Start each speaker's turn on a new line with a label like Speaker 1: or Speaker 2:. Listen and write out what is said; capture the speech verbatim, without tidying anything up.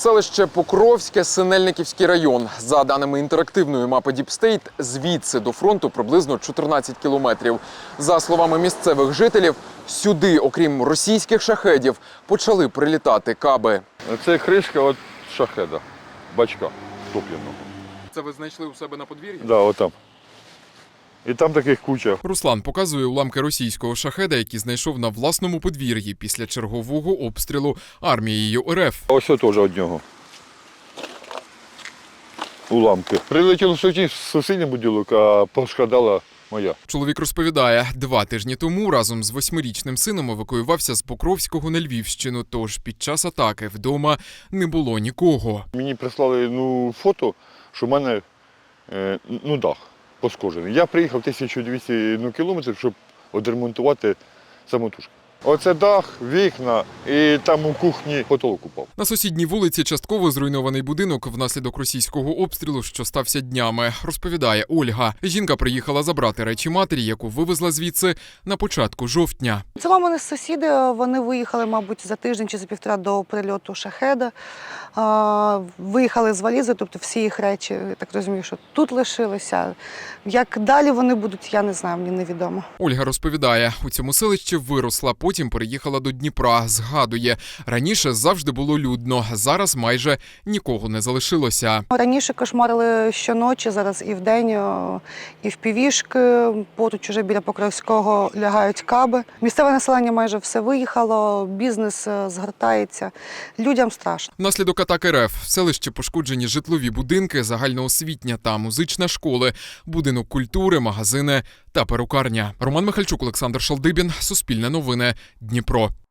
Speaker 1: Селище Покровське, Синельниківський район. За даними інтерактивної мапи Deep State, звідси до фронту приблизно чотирнадцять кілометрів. За словами місцевих жителів, сюди, окрім російських шахедів, почали прилітати каби.
Speaker 2: Це кришка від шахеда, бачка топливного.
Speaker 1: Це ви знайшли у себе на подвір'ї?
Speaker 2: Так, да, отам. І там таких куча.
Speaker 3: Руслан показує уламки російського шахеда, які знайшов на власному подвір'ї після чергового обстрілу армією РФ.
Speaker 2: Ось це теж від нього. Уламки. Прилетіло в сусідній будинок, а пошкодала моя.
Speaker 3: Чоловік розповідає, два тижні тому разом з восьмирічним сином евакуювався з Покровського на Львівщину, тож під час атаки вдома не було нікого.
Speaker 2: Мені прислали ну, фото, що в мене е, ну, дах пошкоджений. Я приїхав тисячу двісті ну, кілометрів, щоб відремонтувати самотужки. Оце дах, вікна і там у кухні потолок упав.
Speaker 3: На сусідній вулиці частково зруйнований будинок внаслідок російського обстрілу, що стався днями, розповідає Ольга. Жінка приїхала забрати речі матері, яку вивезла звідси на початку жовтня.
Speaker 4: Це мамини сусіди, вони виїхали, мабуть, за тиждень чи за півтора до прильоту шахеда. Виїхали з валізи, тобто всі їх речі, я так розумію, що тут лишилися. Як далі вони будуть, я не знаю, мені невідомо.
Speaker 3: Ольга розповідає, у цьому селищі виросла, потім переїхала до Дніпра. Згадує, раніше завжди було людно, зараз майже нікого не залишилося.
Speaker 4: Раніше кошмарили щоночі, зараз і вдень, і в півішки. Поруч уже біля Покровського лягають каби. Місцеве населення майже все виїхало, бізнес згортається. Людям страшно.
Speaker 3: Внаслідок атаки РФ в селищі пошкоджені житлові будинки, загальноосвітня та музична школи, будинок культури, магазини та перукарня. Роман Михальчук, Олександр Шалдибін, Суспільне новини, Дніпро.